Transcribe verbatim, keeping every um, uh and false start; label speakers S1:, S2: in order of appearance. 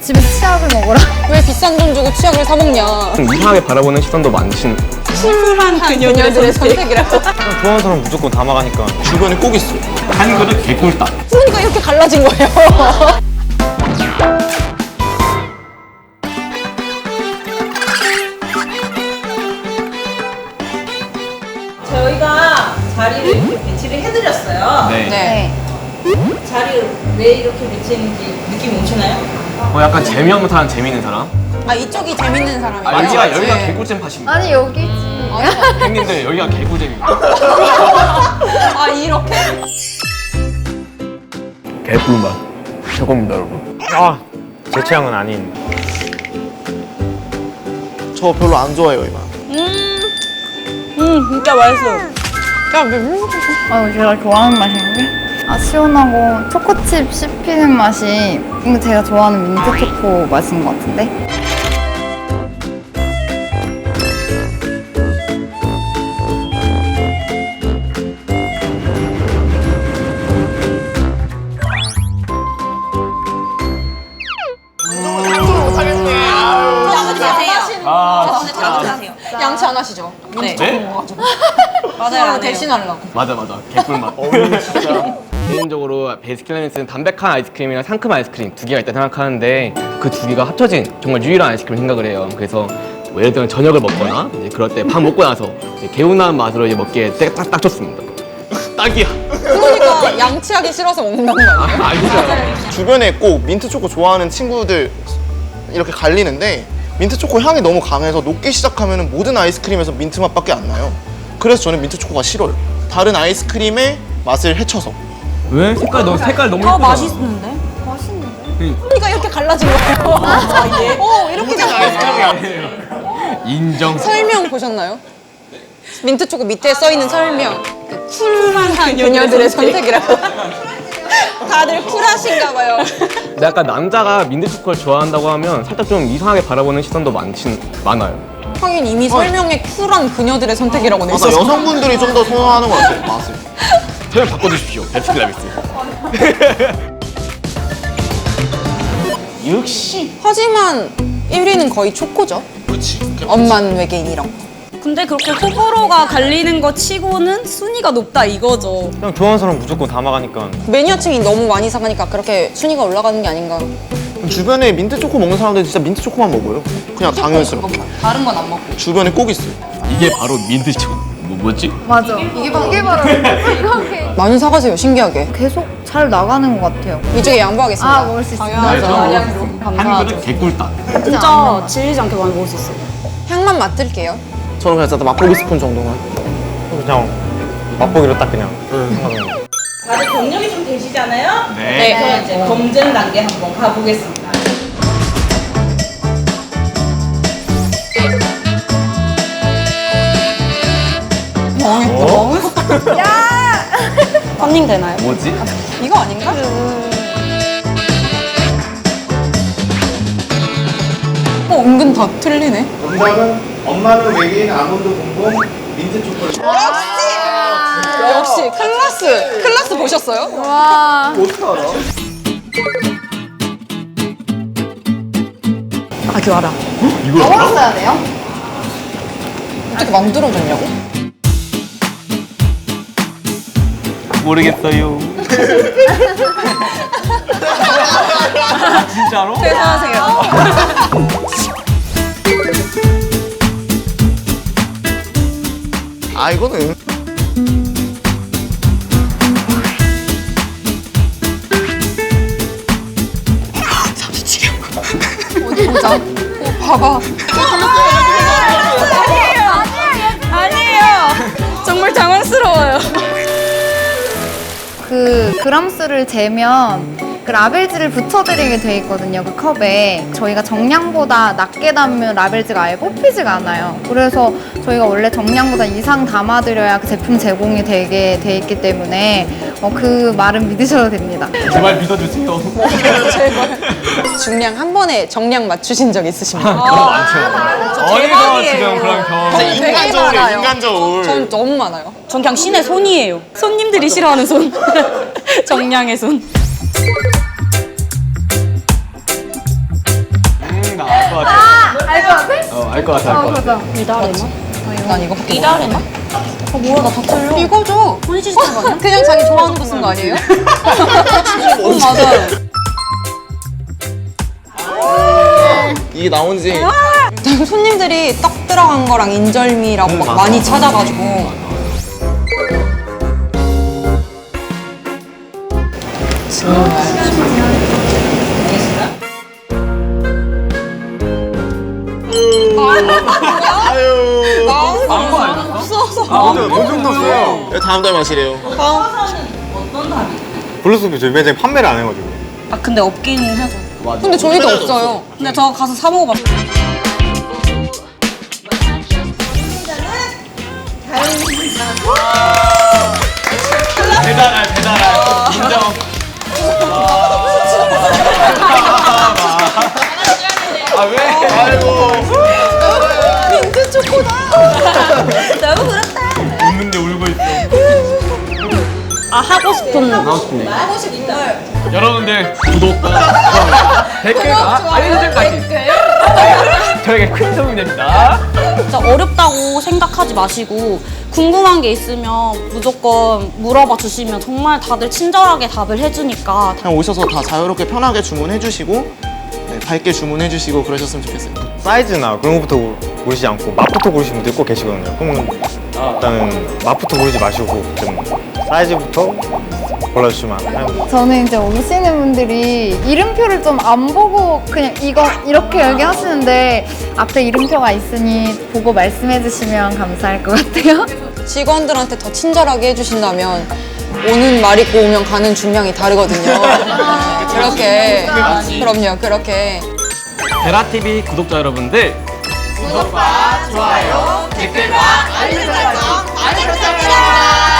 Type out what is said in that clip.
S1: 집에 치약을 먹으라.
S2: 왜 비싼 돈 주고 치약을 사 먹냐?
S3: 이상하게 바라보는 시선도 많으신.
S2: 쿨한 그녀들의 선택이라고.
S3: 좋아하는 사람 무조건 담아가니까.
S4: 주변에 꼭 있어.
S3: 한 그릇 개꿀딱.
S2: 그러니까 이렇게 갈라진 거예요.
S5: 저희가 자리를 이렇게 배치를 해드렸어요.
S3: 네.
S2: 네.
S5: 자리를 왜 이렇게 배치했는지 느낌이 오시나요?
S3: 어, 약간 재미없는 사람, 재미있는 사람?
S2: 아 이쪽이 재밌는 사람이에요.
S3: 아, 여기가, 여기가 개꿀잼 팟입니다.
S1: 아니 여기지.
S3: 형님들, 여기가 개꿀잼입니다.
S2: 아 이렇게?
S3: 개꿀맛. 저겁니다, 여러분.
S6: 아, 제 취향은 아닌.
S4: 저 별로 안 좋아해요, 이 맛.
S2: 음 진짜 맛있어. 야 왜?
S1: 아 제가 좋아하는 맛인데. 아 시원하고 초코칩 씹히는 맛이 이거 제가 좋아하는 민트 초코 맛인 것 같은데.
S2: 양치 안 하시죠?
S5: 네.
S3: 네?
S2: 맞아요. 대신하려고.
S3: 맞아, 맞아. 개꿀맛.
S4: 진짜.
S3: 개인적으로 베스킨라빈스는 담백한 아이스크림이랑 상큼 아이스크림 두 개가 있다 생각하는데 그 두 개가 합쳐진 정말 유일한 아이스크림 생각을 해요. 그래서 뭐 예를 들면 저녁을 먹거나 이제 그럴 때 밥 먹고 나서 이제 개운한 맛으로 이제 먹기에 딱, 딱 좋습니다. 딱이야.
S2: 그러니까 양치하기 싫어서 먹는다는 거 아니에요?
S3: 알죠?
S4: 주변에 꼭 민트 초코 좋아하는 친구들 이렇게 갈리는데 민트 초코 향이 너무 강해서 녹기 시작하면 모든 아이스크림에서 민트 맛밖에 안 나요. 그래서 저는 민트 초코가 싫어요. 다른 아이스크림의 맛을 해쳐서.
S3: 왜? 색깔 너무 색깔 너무
S5: 아
S3: 예쁘다.
S5: 맛있는데?
S2: 그러니까 이렇게 갈라진 거예요. 아, 예. 어 이렇게 된 거예요.
S3: 인정.
S2: 설명 보셨나요? 민트 초코 밑에 써 있는 설명. 그 쿨한 그녀들의 선택이라고. 다들 쿨하신가 봐요.
S3: 근데 약간 남자가 민트 초코를 좋아한다고 하면 살짝 좀 이상하게 바라보는 시선도 많진 많아요.
S2: 하긴 이미 설명에 쿨한 그녀들의 선택이라고 돼
S4: 맞아,
S2: 있어서.
S4: 여성분들이 좀 더 선호하는 것 같아요, 맛을.
S3: 표현 바꿔주십시오. 베스킨라빈스.
S4: 역시.
S2: 하지만 일 위는 거의 초코죠.
S4: 그렇지.
S2: 엄만 외계인 이런 거.
S5: 근데 그렇게 호불호가 갈리는 거 치고는 순위가 높다 이거죠.
S6: 그냥 좋아하는 사람 무조건 담아가니까.
S2: 매니아층이 너무 많이 사가니까 그렇게 순위가 올라가는 게 아닌가.
S4: 주변에 민트 초코 먹는 사람들은 진짜 민트 초코만 먹어요. 그냥 당연스럽게.
S2: 다른 건 안 먹고.
S4: 주변에 꼭 있어요.
S3: 이게 바로 민트 초코. 뭐 뭐지?
S1: 맞아. 이게 바로 이게 바로 이렇게
S2: 많이 사가세요, 신기하게.
S1: 계속 잘 나가는 것 같아요.
S2: 이쪽에 양보하겠습니다.
S1: 아 먹을 수 있어요.
S3: 한
S1: 감사하죠.
S3: 그릇 개꿀딱.
S5: 진짜 질리지 않게 많이 먹을 수 있어요.
S2: 향만 맡을게요.
S4: 저는 그냥 진짜 맛보기 스푼 정도만.
S6: 그냥 맛보기로 딱 그냥. 하는 거.
S5: 다들 경력이 좀 되시잖아요?
S3: 네.
S5: 그래서 이제 검증 단계 한번 가보겠습니다. 컨닝 되나요?
S3: 뭐지?
S2: 이거 아닌가? 어, 은근 다 틀리네.
S7: 정답은 엄마는 외계인 아몬드 봉봉 민트 초콜릿.
S2: 역시 클라스! 클라스 보셨어요?
S1: 와.
S5: 아 교아라.
S3: 이걸 알아?
S1: 먹었어야 돼요?
S2: 어떻게 만들어줬냐고?
S3: 모르겠어요. 진짜로?
S2: 대단하세요.
S4: 아, 이거는.
S2: 어디 보자. 어, 봐봐.
S5: 아니에요. 정말 당황스러워요.
S1: 그 그람수를 재면 그 라벨지를 붙여드리게 돼 있거든요. 그 컵에 저희가 정량보다 낮게 담으면 라벨지가 아예 뽑히지가 않아요. 그래서 저희가 원래 정량보다 이상 담아드려야 그 제품 제공이 되게 돼 있기 때문에 어, 그 말은 믿으셔도 됩니다.
S3: 제발 믿어주세요.
S2: 제발. 중량 한 번에 정량 맞추신 적 있으십니까?
S3: 그럼 많죠. 어디서 지금 그런 경험?
S2: 되게
S4: 인간 저울이에요,
S2: 많아요.
S4: 인간 저울.
S2: 전 너무 많아요.
S5: 전 그냥 신의 손이에요. 손님들이 싫어하는 손. 정량의 손.
S3: 어, 알 것 같아, 알 것 같아.
S5: 미다레마?
S2: 난 이거 밖에
S5: 미다레마? 어 뭐야 나 다 틀려.
S2: 이거죠?
S5: 혼시 시스템 아니야?
S2: 그냥 자기 좋아하는 거 쓴 거 아니에요? 어, 맞아요.
S4: 이게 나온지
S2: 손님들이 떡 들어간 거랑 인절미라고 막 많이 찾아가지고
S4: 아유
S6: 엄청 떴어요.
S4: 다음 달 맛이래요.
S6: 블루스프 저희 매장에 판매를 안 해가지고.
S5: 아 근데 없기는 하죠.
S2: 근데 저희도 없어요.
S5: 근데 저 가서 사 먹어봤어요.
S3: 배달알, 배달알. 인정. 아, 왜? 아이고.
S2: 민트 초코다.
S5: 너무 그렇다.
S3: 웃는데 울고 있어.
S5: 아 하고 싶은
S2: 하고 싶은
S3: 여러분들 구독과 좋아요, 댓글과 알림 설정까지 저에게 큰 도움이 됩니다.
S5: 진짜 어렵다고 생각하지 마시고 궁금한 게 있으면 무조건 물어봐 주시면 정말 다들 친절하게 답을 해주니까
S4: 그냥 오셔서 다 자유롭게 편하게 주문해 주시고 네, 밝게 주문해 주시고 그러셨으면 좋겠어요.
S6: 사이즈나 그런 것부터 고르시지 않고 맛부터 고르시는 분들 꼭 계시거든요. 그러면 일단은 맛부터 고르지 마시고 좀 사이즈부터 골라주시면 해요.
S1: 저는 이제 오시는 분들이 이름표를 좀 안 보고 그냥 이거 이렇게 얘기하시는데 앞에 이름표가 있으니 보고 말씀해 주시면 감사할 것 같아요.
S2: 직원들한테 더 친절하게 해주신다면 오는 말 있고 오면 가는 중량이 다르거든요. 그렇게 그럼요 그렇게
S3: 베라티비 구독자 여러분들
S1: 구독과 좋아요, 댓글과 알림 설정 많이 부탁드립니다.